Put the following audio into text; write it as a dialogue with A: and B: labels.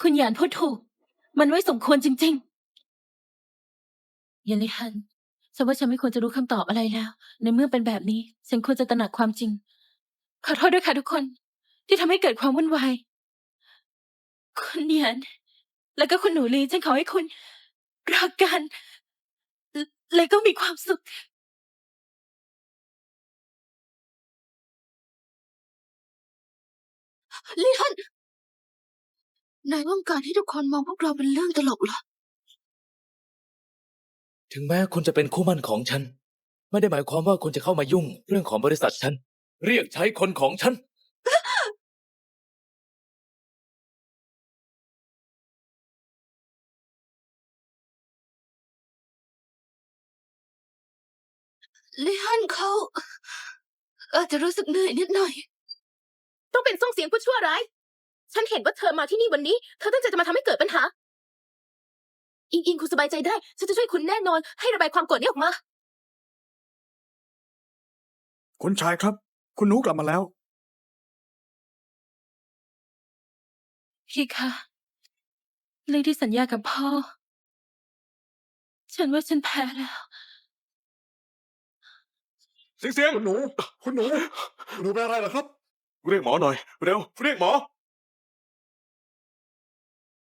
A: คุณหยานพูดถูก มันไม่สมควรจริงๆเยันลิฮันฉันว่าฉันไม่ควรจะรู้คำตอบอะไรแล้ว ในเมื่อเป็นแบบนี้ ฉันควรจะตระหนักความจริง ขอโทษด้วยค่ะทุกคน ที่ทำให้เกิดความวุ่นวาย คุณหยานแล้วก็คุณหนูลีฉันขอให้คุณรักกัน และก็มีความสุข
B: ลี่ฮั่นนายต้องการให้ทุกคนมองพวกเราเป็นเรื่องตลกเหรอ
C: ถึงแม้คุณจะเป็นคู่หมั่นของฉัน ไม่ได้หมายความว่าคุณจะเข้ามายุ่งเรื่องของบริษัทฉัน เรียกใช้คนของฉัน
B: ลี่ฮั่นเขาอาจจะรู้สึกเหนื่อยนิดหน่อย
A: ต้องเป็นส่งเสียงผู้ชั่วร้าย ฉันเห็นว่าเธอมาที่นี่วันนี้ เธอตั้งใจจะมาทำให้เกิดปัญหา อิงคุณสบายใจได้ ฉันจะช่วยคุณแน่นอน ให้ระบายความโกรธนี้ออกมา
D: คุณชายครับ คุณหนูกลับมาแล้ว
A: พี่คะเรื่องที่สัญญากับพ่อ ฉันว่าฉันแพ้แล้ว
D: เสียงคุณหนูเป็นอะไรเหรอครับ
E: เรียกหมอหน่อย เร็ว เรียกหมอ